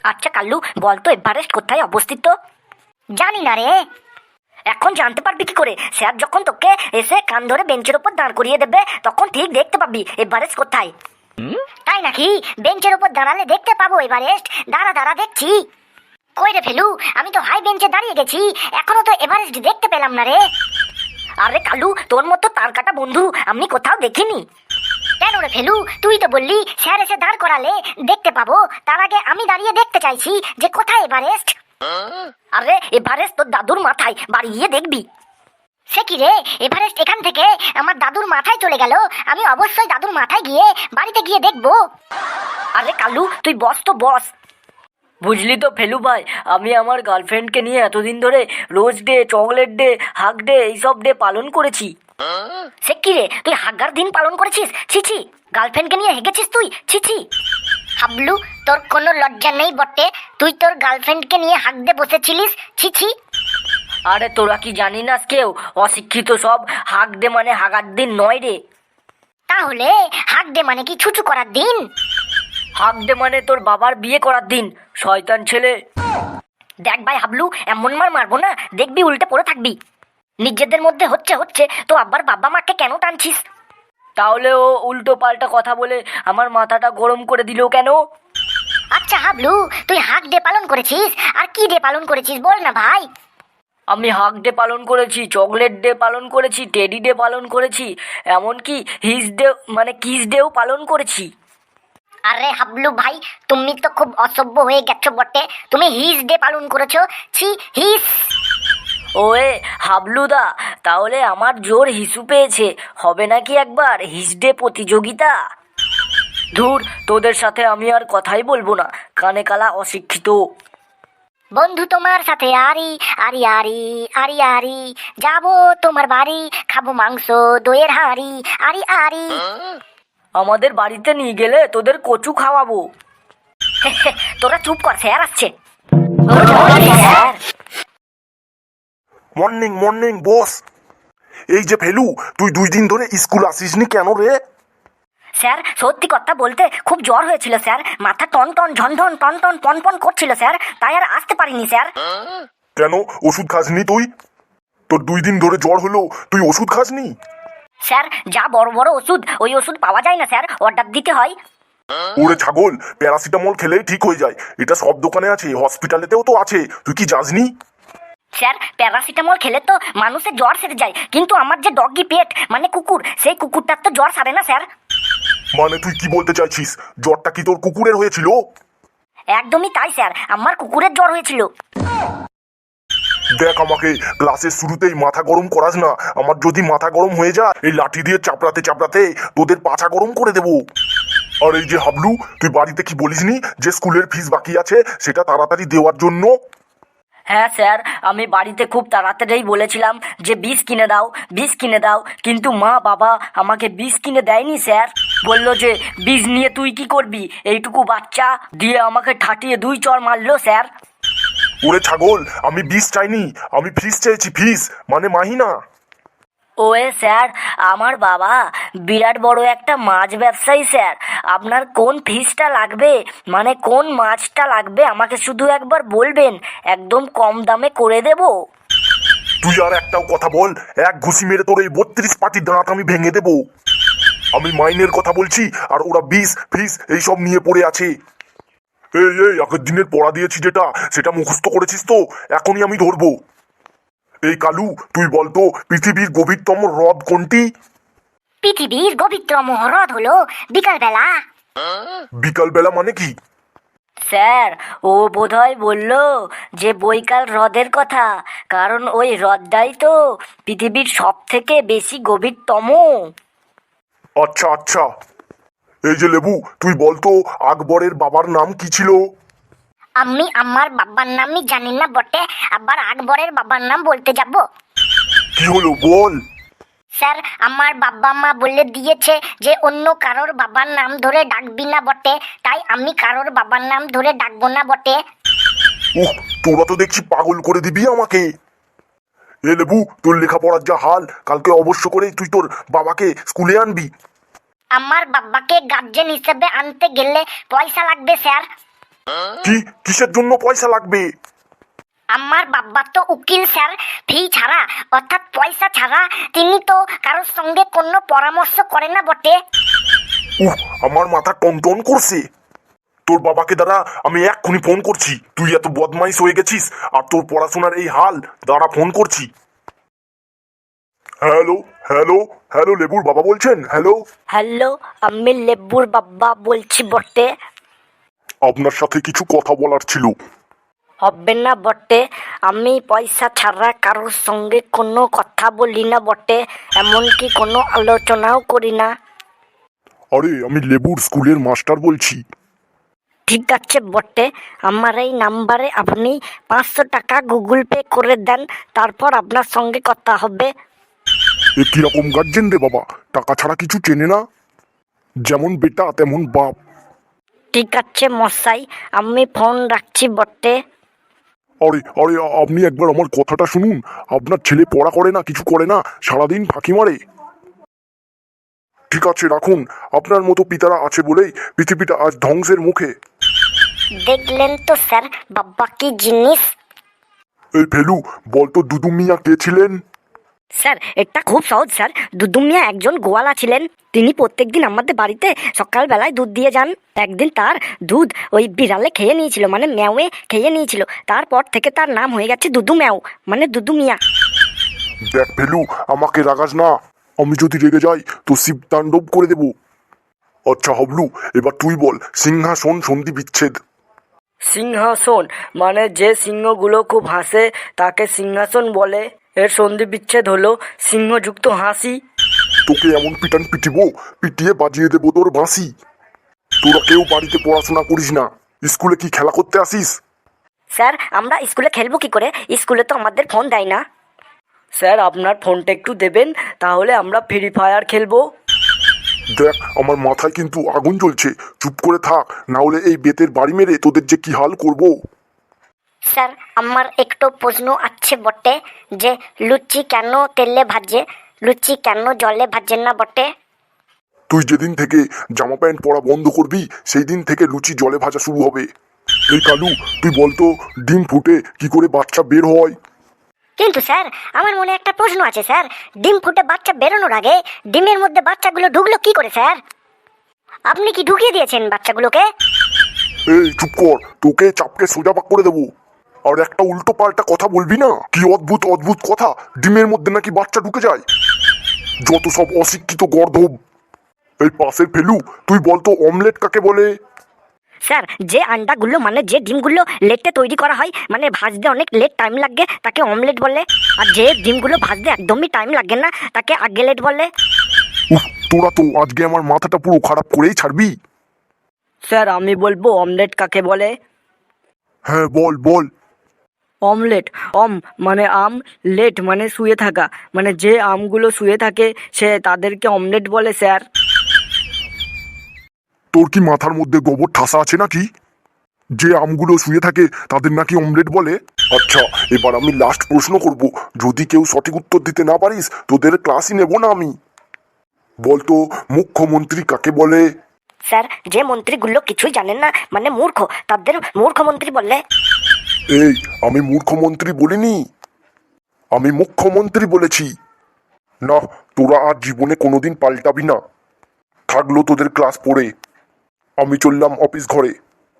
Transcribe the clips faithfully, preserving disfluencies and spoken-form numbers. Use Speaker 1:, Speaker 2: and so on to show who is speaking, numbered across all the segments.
Speaker 1: আচ্ছা কাল্লু, বলতো এভারেস্ট কোথায় অবস্থিত? জানি না রে। এখন জানতে পারবি কি করে? স্যার যখন তোকে এসে কান ধরে বেঞ্চের উপর দাঁড় করিয়ে দেবে তখন ঠিক দেখতে পাবি এভারেস্ট কোথায়। তাই নাকি? বেঞ্চের উপর দাঁড়ালে দেখতে পাবো এভারেস্ট? দাঁড়া দাঁড়া দেখছি। কই রে ফেলু, আমি তো হাই বেঞ্চে দাঁড়িয়ে গেছি, এখনো তো এভারেস্ট দেখতে পেলাম না রে। আরে কালু, তোর মতো তার কাটা বন্ধু আমি কোথাও দেখিনি। কেন রে ফেলু, তুই তো বললি স্যার এসে দাঁড় করালে দেখতে পাবো, তার আগে আমি দাঁড়িয়ে দেখতে চাইছি যে কোথায় এভারেস্ট। আরে এভারেস্ট তোর দাদুর মাথায়, বাড়ি গিয়ে দেখবি। সে কি রে, এভারেস্ট এখান থেকে আমার দাদুর মাথায় চলে গেল, আমি অবশ্যই দাদুর মাথায় গিয়ে বাড়িতে গিয়ে দেখবো। আরে কালু তুই বস তো বস।
Speaker 2: বুঝলি তো ফেলু ভাই, আমি আমার গার্লফ্রেন্ডকে নিয়ে এতদিন ধরে rose day, chocolate day, hug day এইসব ডে পালন করেছি।
Speaker 1: সে কি রে, তুই হাগ্গার দিন পালন করেছিস? ছিছি, গার্লফ্রেন্ডকে নিয়ে হেগেছিস তুই? ছিছি হাবলু, তোর কোনো লজ্জা নেই বটে? তুই তোর গার্লফ্রেন্ডকে নিয়ে হাগতে বসেছিলিস? ছিছি।
Speaker 2: আরে তোরা কি জানি না কেউ? অশিক্ষিত সব। হাগ ডে মানে হাগার দিন নয় রে।
Speaker 1: তাহলে হাগ দে মানে কি ছুচু করার দিন?
Speaker 2: হাগ ডে মানে তোর বাবার বিয়ে করার দিন, শয়তান ছেলে।
Speaker 1: দেখ ভাই হাবলু, এমন মার মারবো না, দেখবি উল্টে পড়ে থাকবি। নিজেদের মধ্যে হচ্ছে হচ্ছে তো আব্বার বাবা মাকে কেন টানছিস?
Speaker 2: তাহলে ও উল্টো পাল্টা কথা বলে আমার মাথাটা গরম করে দিল কেন?
Speaker 1: আচ্ছা হাবলু, তুই হাগ ডে পালন করেছিস, আর কি ডে পালন করেছিস বল না ভাই।
Speaker 2: আমি হাগ ডে পালন করেছি, চকলেট ডে পালন করেছি, টেডি ডে পালন করেছি, এমনকি হিস ডে মানে কিস ডেও পালন করেছি।
Speaker 1: আরে হাবলু ভাই, তুমি তো খুব অসভ্য হয়ে গেছো বটে, তুমি হিস ডে পালন করেছো। ছি, হিস।
Speaker 2: ওয়ে হাবলুদা, তাহলে আমার জোর হিসু পেয়েছে, হবে নাকি একবার হিস ডে প্রতিযোগিতা? ধুর, তোদের সাথে আমি আর কথাই বলবো না, কানে কালা অশিক্ষিত।
Speaker 1: বন্ধু তোমার সাথে আরি আরি আরি আরি আরি, যাবো তোমার বাড়ি, খাবো মাংস দইয়ের হাঁড়ি, আরি আরি।
Speaker 2: আমাদের বাড়িতে নিয়ে গেলে তোদের কচু খাওয়াবো।
Speaker 1: তোরা চুপ কর, স্যার আসছে।
Speaker 3: Morning morning boss. এই যে ফেলু, তুই দুই দিন ধরে স্কুল আসিসনি কেন রে?
Speaker 1: স্যার সত্যি কথা বলতে খুব জ্বর হয়েছিল স্যার, মাথা টন টন ঝন ঝন টন টন পন পন করছিল স্যার, তাই আর আসতে পারিনি স্যার।
Speaker 3: কেন ওষুধ খাসনি তুই? তোর দুই দিন ধরে জ্বর হলো, তুই ওষুধ খাসনি?
Speaker 1: স্যার যা বড় বড় ওষুধ, ওই ওষুধ পাওয়া যায় না স্যার, অর্ডার দিতে হয়।
Speaker 3: ওরে ছাগল, প্যারাসিটামল খেলেই ঠিক হয়ে যায়, এটা সব দোকানে আছে, হসপিটালেতেও তো আছে, তুই কি জাসনি?
Speaker 1: স্যার প্যারাসিটামল খেলে তো মানুষের জ্বর সেরে যায়, কিন্তু আমার যে ডগি পেট মানে কুকুর, সেই কুকুরটার তো জ্বর সারে না স্যার।
Speaker 3: মানে তুই কি বলতে চাইছিস, জ্বরটা কি তোর কুকুরের হয়েছিল?
Speaker 1: একদমই তাই স্যার, আমার কুকুরের জ্বর হয়েছিল।
Speaker 3: দেখ, আমাকে ক্লাসের শুরুতেই মাথা গরম করাস না, আমার যদি মাথা গরম হয়ে যায় এই লাঠি দিয়ে চাপড়াতে চাপড়াতে তোদের পাছা গরম করে দেবো। আর এই যে হাবলু, তুই বাড়িতে কি বলিসনি যে স্কুলের ফিস বাকি আছে সেটা তাড়াতাড়ি দেওয়ার জন্য?
Speaker 2: হ্যাঁ স্যার, আমি বাড়িতে খুব তাড়াতাড়ি বলেছিলাম যে বিষ কিনে দাও, বিষ কিনে দাও, কিন্তু মা বাবা আমাকে বিষ কিনে দেয়নি স্যার। বললো যে বিষ নিয়ে তুই কি করবি, এইটুকু বাচ্চা, দিয়ে আমাকে ঠাটিয়ে দুই চড় মারলো স্যার।
Speaker 3: ওরে ছাগল, আমি বিষ চাইনি, আমি ফিস চেয়েছি, ফিস মানে মাহিনা।
Speaker 2: ওয়ে স্যার, আমার বাবা বিরাট বড় একটা মাছ ব্যবসায়ী স্যার, আপনার কোন ফিশটা লাগবে মানে কোন মাছটা লাগবে আমাকে শুধু একবার বলবেন, একদম কম দামে করে দেব।
Speaker 3: তুই আর একটাও কথা বল, এক ঘুষি মেরে তোর এই বত্রিশ পাটির দাঁত আমি ভেঙে দেবো। আমি মাইনের কথা বলছি আর ওরা বিষ ফিস এইসব নিয়ে পড়ে আছে। এই এই আগের দিনের পড়া দিয়েছি যেটা, সেটা মুখস্থ করেছিস তো? এখনই আমি ধরবো। এই কালু, তুই বলতো পৃথিবীর গভীরতম হ্রদ কোনটি?
Speaker 1: পৃথিবীর গভীরতম হ্রদ হলো বিকালবেলা।
Speaker 3: বিকালবেলা মানে কি?
Speaker 2: স্যার ও বোধহয় বলল যে বৈকাল হ্রদের কথা, কারণ ওই হ্রদটাই তো পৃথিবীর সব থেকে বেশি গভীরতম।
Speaker 3: আচ্ছা আচ্ছা। এই যে লেবু, তুই বলতো আকবরের বাবার নাম কি ছিল?
Speaker 1: আমি আমার বাবার নামই জানি না বটে, আবার আকবরের বাবার নাম বলতে যাব?
Speaker 3: কি হলো বল?
Speaker 1: স্যার আমার বাবা মা বলে দিয়েছে যে অন্য কারোর বাবার নাম ধরে ডাকবি না বটে, তাই আমি কারোর বাবার নাম ধরে ডাকবো না বটে।
Speaker 3: উহ, তোরা তো দেখছি পাগল করে দিবি আমাকে। এ লেবু, তোর লেখাপড়ার যা হাল, কালকে অবশ্য করে তুই তোর বাবাকে স্কুলে আনবি।
Speaker 1: আমার বাবাকে গার্জেন হিসেবে আনতে গেলে পয়সা লাগবে স্যার।
Speaker 3: কি কিসের জন্য পয়সা লাগবে?
Speaker 1: আমার বাবা তো উকিল স্যার, ফি ছাড়া অর্থাৎ পয়সা ছাড়া তিনি তো কারোর সঙ্গে কোনো পরামর্শ করে না বটে।
Speaker 3: উহ, আমার মাথা টনটন করছে। তোর বাবাকে দ্বারা আমি এক্ষুনি ফোন করছি। তুই এত বদমাইশ হয়ে গেছিস আর তোর পড়াশোনার এই হাল, দ্বারা ফোন করছি। হ্যালো হ্যালো হ্যালো, লেবুর বাবা বলছেন? হ্যালো,
Speaker 2: হ্যালো, আমি লেবুর বাবা বলছি বটে।
Speaker 3: আপনার সাথে কিছু কথা বলার ছিল।
Speaker 2: হবে না বটে, আমি পয়সা ছাড়া কারোর সঙ্গে কোনো কথা বলি না বটে, এমনকি কোনো আলোচনাও করি না।
Speaker 3: আরে আমি লেবুর স্কুলের মাস্টার বলছি।
Speaker 2: ঠিক আছে বটে, আমার এই নাম্বারে আপনি পাঁচশো টাকা গুগল পে করে দেন, তারপর আপনার সঙ্গে কথা হবে।
Speaker 3: এ কিরকম গার্জেন রে বাবা, টাকা ছাড়া কিছু চেনে না। যেমন বেটা তেমন বাপ।
Speaker 2: ঠিক আছে মশাই, আমি ফোন রাখছি বটে।
Speaker 3: আরে আরে আপনি একবার আমার কথাটা শুনুন। আপনার ছেলে পড়া করে না, কিছু করে না, সারাদিন ফাঁকি মারে। ঠিক আছে রাখুন। আপনার মতো পিতারা আছে বলেই পৃথিবীটা আজ ধ্বংসের মুখে।
Speaker 1: দেখলেন তো স্যার বাবা কি জিনিস।
Speaker 3: এই ফেলু, বলতো দুদু মিয়া কে ছিলেন?
Speaker 2: স্যার এটা খুব সহজ স্যার, দুদু মিয়া একজন গোয়ালা ছিলেন। তিনি প্রত্যেকদিন আমাদের বাড়িতে সকালবেলায় দুধ দিয়ে যান। একদিন তার দুধ ওই বিড়ালে খেয়ে নিয়েছিল, মানে ম্যাওয়ে খেয়ে নিয়েছিল। তারপর থেকে তার নাম হয়ে গেছে দুদু ম্যাও, মানে দুদু মিয়া।
Speaker 3: দেখ ফেলু, আমাকে রাগাস না। আমি যদি রেগে যাই তো শিব তাণ্ডব করে দেব। আচ্ছা হাবলু, এবার তুই বল, সিংহাসন সন্ধি বিচ্ছেদ।
Speaker 2: সিংহাসন মানে যে সিংহগুলো খুব হাসে তাকে সিংহাসন বলে। এর সন্ধি বিচ্ছেদ হলো সিংহযুক্ত হাসি।
Speaker 3: তোকে এমন পিটান পিটিবো, পিটিয়ে বাজিয়ে দেবো তোর বাঁশি। তোরা কেউ বাড়িতে পড়াশোনা করিস না, স্কুলে কি খেলা করতে আসিস?
Speaker 2: স্যার আমরা স্কুলে খেলবো কি করে, স্কুলে তো আমাদের ফোন দেয় না। স্যার আপনার ফোনটা একটু দেবেন, তাহলে আমরা ফ্রি ফায়ার খেলবো।
Speaker 3: দেখ আমার মাথায় কিন্তু আগুন জ্বলছে, চুপ করে থাক, না হলে এই বেতের বাড়ি মেরে তোদের যে কি হাল করব।
Speaker 1: স্যার আমার একটু প্রশ্ন আছে বটে, যে লুচি কেন তেলে ভাজে, লুচি কেন জলে ভাজে না বটে?
Speaker 3: তুই যেদিন থেকে জামা প্যান্ট পরা বন্ধ করবি সেই দিন থেকে লুচি জলে ভাজা শুরু হবে। এই কালু, তুই বলতো ডিম ফুটে কি করে বাচ্চা বের হয়?
Speaker 1: কিন্তু স্যার আমার মনে একটা প্রশ্ন আছে স্যার, ডিম ফুটে বাচ্চা বেরোনোর আগে ডিমের মধ্যে বাচ্চাগুলো ঢুকলো কি করে স্যার? আপনি কি ঢুকিয়ে দিয়েছেন বাচ্চাগুলোকে?
Speaker 3: এই চুপ কর, তোকে চাপকে সোজা পাক করে দেবো। আর একটা উল্টো পাল্টা কথা বলবি না। কি অদ্ভুত অদ্ভুত কথা, ডিমের মধ্যে নাকি বাচ্চা ঢুকে যায়। যত সব অশিক্ষিত গর্ধব। এই পাশের ফেলু, তুই বলতো অমলেট কাকে বলে?
Speaker 2: স্যার যে আন্ডাগুলো মানে যে ডিমগুলো লেটে তৈরি করা হয়, মানে ভাজতে অনেক লেট টাইম লাগে, তাকে অমলেট বলে। আর যে ডিমগুলো ভাজতে একদমই টাইম লাগে না, তাকে আগেলেট বলে।
Speaker 3: উফ, তোরা তো আজকে আমার মাথাটা পুরো খারাপ করেই ছাড়বি।
Speaker 2: স্যার আমি বলবো অমলেট কাকে বলে।
Speaker 3: হ্যাঁ বল বল।
Speaker 2: অমলেট, অম মানে আম, লেট মানে শুয়ে থাকা, মানে যে আমগুলো শুয়ে থাকে সে তাদেরকে অমলেট বলে স্যার।
Speaker 3: তোর কি মাথার মধ্যে গোবর ঠাসা আছে নাকি? যে আমগুলো শুয়ে থাকে তাদের নাকি অমলেট বলে? আচ্ছা এবার আমি লাস্ট প্রশ্ন করব, যদি কেউ সঠিক উত্তর দিতে না পারিস তোদের ক্লাসই নেব না আমি। বলতো মুখ্যমন্ত্রী কাকে বলে?
Speaker 2: স্যার যে মন্ত্রীগুলো কিছুই জানেন না, মানে মূর্খ, তাদের মূর্খমন্ত্রী বললে।
Speaker 3: এই আমি মূর্খমন্ত্রী বলিনি, আমি মুখ্যমন্ত্রী বলেছি। না, তোরা আর জীবনে কোনোদিন পাল্টাবি না। থাকলো তোদের ক্লাস পড়ে, আমি চললাম অফিস ঘরে।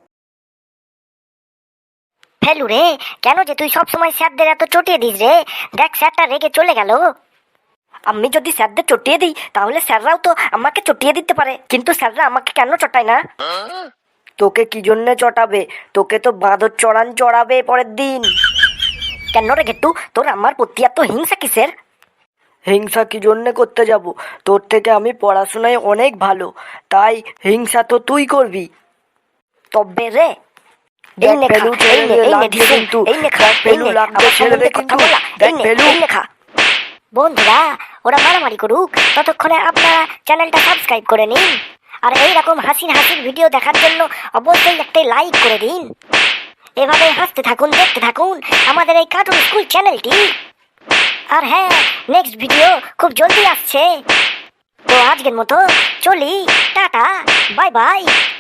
Speaker 1: ফেলু রে, কেন যে তুই সবসময় স্যারদের এত চটিয়ে দিস রে? দেখ স্যারটা রেগে চলে গেল।
Speaker 2: আমি যদি স্যারদের চটিয়ে দিই তাহলে স্যাররাও তো আমাকে চটিয়ে দিতে পারে, কিন্তু স্যাররা আমাকে কেন চটায় না? তোকে কি জন্যে চটাবে? তোকে তো বাঁদর চড়ান চড়াবে পরের দিন। কেন রে গেট্টু, তোর আমার প্রতি এত হিংসা কিসের? হিংসা কি জন্যে করতে যাব? তোর থেকে আমি পড়াশোনায় অনেক ভালো, তাই হিংসা তো তুই করবি। তবে রে এই নে খা, এই নে, এই নে ডিসিশন, এই নে খা, এই নে, আমার সম্বন্ধে কথা বলা, এই নে, এই নে খা।
Speaker 1: বন্ধুরা ওরা মারামারি করুক, ততক্ষণে আপনারা চ্যানেলটা সাবস্ক্রাইব করে নিন। আর এইরকম হাসির হাসির ভিডিও দেখার জন্য অবশ্যই একটা লাইক করে দিন। এভাবে হাসতে থাকুন, দেখতে থাকুন আমাদের এই কার্টুন স্কুল চ্যানেলটি। আর হ্যাঁ, নেক্সট ভিডিও খুব জলদি আসছে। তো আজকের মতো চলি, টাটা, বাই বাই।